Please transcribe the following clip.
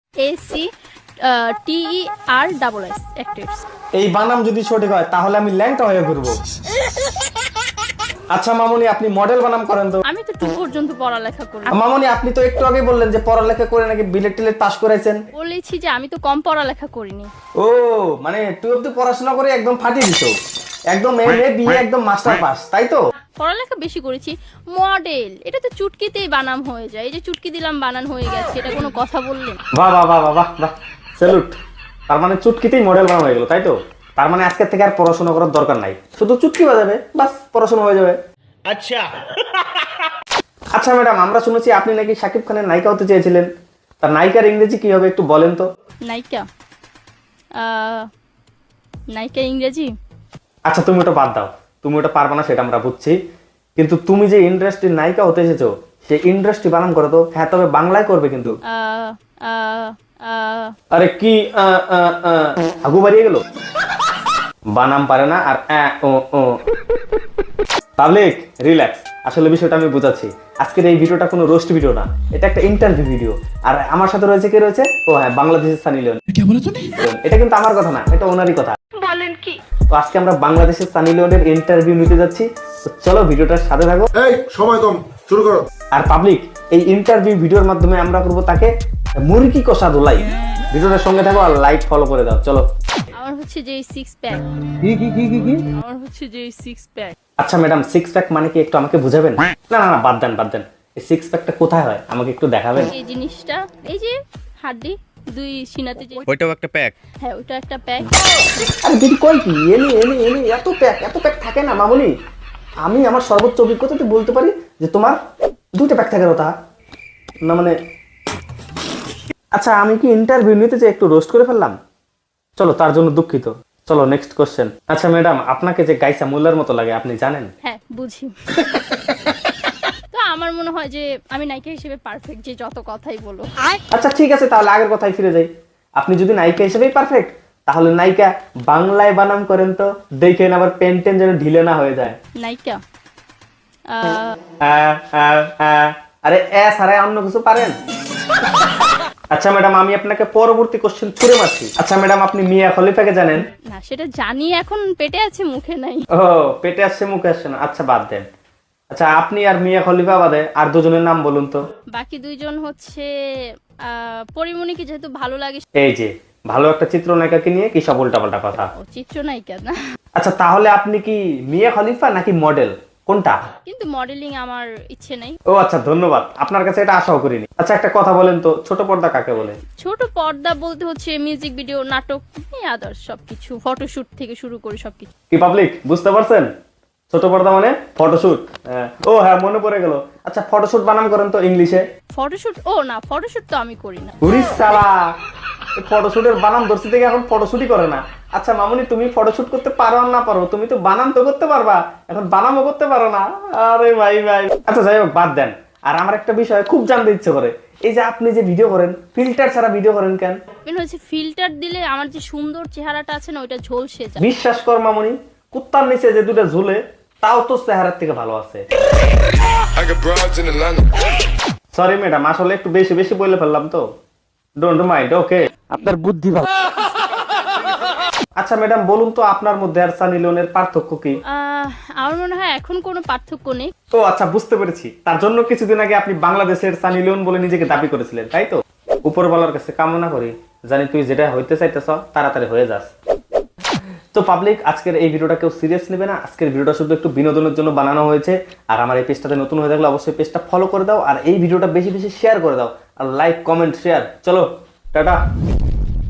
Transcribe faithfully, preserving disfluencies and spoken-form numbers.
এ C T E R double S actors. এই বানাম যদি সঠিক হয় তাহলে আমি ল্যাংটা হয়ে ঘুরবো। আচ্ছা মামুনি, আপনি মডেল বানাম করেন তো? আমি তো টু পর্যন্ত পড়ালেখা করি। মামুনি, আপনি তো একটু আগে বললেন যে পড়ালেখা করে নাকি বিলেট টিলেট পাস করেছেন। বলেছি যে আমি তো কম পড়ালেখা করিনি। ও মানে টুয়েলভ তো পড়াশোনা করে একদম ফাটিয়ে দিছো, একদম এম এ বি এ একদম মাস্টার পাস, তাই তো? পড়ালেখা বেশি করেছি। মডেল এটা তো চুটকিতেই বানাম হয়ে যায়। এই যে চুটকি দিলাম বানান হয়ে গেছে, এটা কোনো কথা বললেন? বাহ বাহ বাহ বাহ বাহ, স্যালুট। তার মানে চুটকিতেই মডেল বানানো হয়ে গেল, তাই তো? তার মানে আজকের থেকে আর পড়াশোনা করার দরকার নাই, শুধু চুটকি বাজাবে, বাস পড়াশোনা হয়ে যাবে। আচ্ছা আচ্ছা ম্যাডাম, আমরা শুনেছি আপনি নাকি শাকিব খানের নায়িকা হতে চেয়েছিলেন। তার নায়িকার ইংরেজি কি হবে একটু বলেন তো? নায়িকা আহ, নায়িকা ইংরেজি। আচ্ছা তুমি ওটা বাদ দাও, তুমি ওটা পারবে না সেটা আমরা বুঝছি, কিন্তু তুমি যে ইন্ডাস্ট্রির নায়িকা হতে এসেছো সেই ইন্ডাস্ট্রি বানান করো তো। হ্যাঁ তবে বাংলায় করবে কিন্তু। আহ, আহ, আহ, আরে কি আহ, আহ, আহ, আগু বাড়িয়ে গেল, বানাম পারে না আর আ, ও, ও। পাবলিক রিল্যাক্স, আসলে বিষয়টা আমি বুঝাচ্ছি। আজকের এই ভিডিওটা কোনো রোস্ট ভিডিও না, এটা একটা ইন্টারভিউ ভিডিও। আর আমার সাথে রয়েছে কে রয়েছে? ও হ্যাঁ, বাংলাদেশের সানি লিওন। এটা কিন্তু আমার কথা না, এটা ওনারই কথা। বলেন কি? তো আজকে আমরা বাংলাদেশের সানি লিওনের ইন্টারভিউ নিতে যাচ্ছি। তো চলো ভিডিওটার সাথে থাকো। এই সময় কম, শুরু করো। আর পাবলিক, এই ইন্টারভিউ ভিডিওর মাধ্যমে আমরা করবো তাকে মুরগি কষা ধোলাই। ভিডিওটার সঙ্গে থাকো আর লাইক ফলো করে দাও। চলো। আমার হচ্ছে যে সিক্স প্যাক। কি কি কি কি কি আমার হচ্ছে যে সিক্স প্যাক। আচ্ছা ম্যাডাম, সিক্স প্যাক মানে কি একটু আমাকে বুঝাবেন? না না না, বাদ দেন বাদ দেন। এই সিক্স প্যাকটা কোথায় হয় আমাকে একটু দেখাবেন? এই জিনিসটা, এই যে হাড্ডি দুই সিনাতে যে, ওইটাও একটা প্যাক। হ্যাঁ ওটা একটা প্যাক। আরে দিদি কই কি এনে এনে এনে এত প্যাক এত প্যাক থাকে না মামুনি। আমি আমার সর্বোচ্চ অভিজ্ঞতাতে বলতে পারি যে তোমার দুইটা প্যাক থাকার কথা না মানে। আচ্ছা আমি কি ইন্টারভিউ নিতে যে একটু রোস্ট করে ফেললাম? চলো, তার জন্য দুঃখিত। চলো নেক্সট কোশ্চেন। আচ্ছা ম্যাডাম, আপনাকে যে গাইসা মোল্লার মতো লাগে আপনি জানেন? হ্যাঁ বুঝি। তো আমার মনে হয় যে আমি নায়িকা হিসেবে পারফেক্ট, যে যত কথাই বলো। আচ্ছা ঠিক আছে, তাহলে আগের কথায় ফিরে যাই। আপনি যদি নায়িকা হিসেবেই পারফেক্ট, তাহলে নায়িকা বাংলায় বানাম করেন তো, দেখেন আবার পেন টেন যেন ঢিলে না হয়ে যায়। নায়িকা আহ, আ, আ, আ। আরে এ সারাই অন্য কিছু পারেন? আচ্ছা ম্যাডাম, আমি আপনাকে পরবর্তী কোশ্চেন ছুড়ে মারছি। আচ্ছা ম্যাডাম, আপনি মিয়া খলিফাকে জানেন? না সেটা জানি, এখন পেটে আছে মুখে নাই। ও পেটে আসছে মুখে আসছে না, আচ্ছা বাদ দেন। আচ্ছা আপনি আর মিয়া খলিফা বাদে আর দুজনের নাম বলুন তো। বাকি দুইজন হচ্ছে আহ, পরিমণিকে যেহেতু ভালো লাগে। এই যে ভালো একটা চিত্রনায়িকাকে নিয়ে কি সব উল্টাপাল্টা কথা। ও চিত্রনায়িকা না, আচ্ছা তাহলে আপনি কি মিয়া খলিফা নাকি মডেল, কোনটা? কিন্তু মডেলিং আমার ইচ্ছে নাই। ও আচ্ছা ধন্যবাদ, আপনার কাছে এটা আশাও করিনি। আচ্ছা একটা কথা বলেন তো, ছোট পর্দা কাকে বলে? ছোট পর্দা বলতে হচ্ছে মিউজিক ভিডিও, নাটক, আদার্স সবকিছু, ফটোশুট থেকে শুরু করে সবকিছু। কি পাবলিক বুঝতে পারছেন? ছোট পর্দা মানে ফটোশুট। ও হ্যাঁ মনে পড়ে গেল। আচ্ছা ফটোশুট বানাম করেন তো ইংলিশে। ফটোশুট, ও না ফটোশুট তো আমি করি না। উড়িস সালা, ফটোশুটের বানাম ধরছি থেকে এখন ফটোশুটই করে না। আচ্ছা মামুনি, তুমি ফটোশুট করতে পারো আর না পারো, তুমি তো বানাম তো করতে পারবা, এখন বানামও করতে পারো না। আরে ভাই ভাই, আচ্ছা যাই হোক বাদ দেন। আর আমার একটা বিষয় খুব জানতে ইচ্ছে করে, এই যে আপনি যে ভিডিও করেন ফিল্টার ছাড়া ভিডিও করেন কেন? মেন হচ্ছে ফিল্টার দিলে আমার যে সুন্দর চেহারাটা আছে না ওইটা ঝলসে যায়। বিশ্বাস কর মামুনি, কুত্তার নিচে যে দুটো ঝুলে তাও তো চেহারার থেকে ভালো আছে। সরি ম্যাডাম, আসলে একটু বেশি বেশি বলে ফেললাম তো, ডোন্ট মাইন্ড। ওকে, আপনার বুদ্ধি ভালো। আচ্ছা ম্যাডাম বলুন তো, আপনার মধ্যে আর সানি লিওনের পার্থক্য কি? আহ, আমার মনে হয় এখন কোনো পার্থক্য নেই। ও আচ্ছা বুঝতে পেরেছি, তার জন্য কিছুদিন আগে আপনি বাংলাদেশের সানি লিওন বলে নিজেকে দাবি করেছিলেন, তাই তো? উপরওয়ালার কাছে কামনা করি জানি তুই যেটা হইতে চাইতেছ তাড়াতাড়ি হয়ে যাস। তো পাবলিক, আজকের এই ভিডিওটা কেউ সিরিয়াস নেবে না, আজকের ভিডিওটা শুধু একটু বিনোদনের জন্য বানানো হয়েছে। আর আমার এই পেজটাতে নতুন হয়ে থাকলে অবশ্যই পেজটা ফলো করে দাও, আর এই ভিডিওটা বেশি বেশি শেয়ার করে দাও, আর লাইক কমেন্ট শেয়ার। চলো টাটা।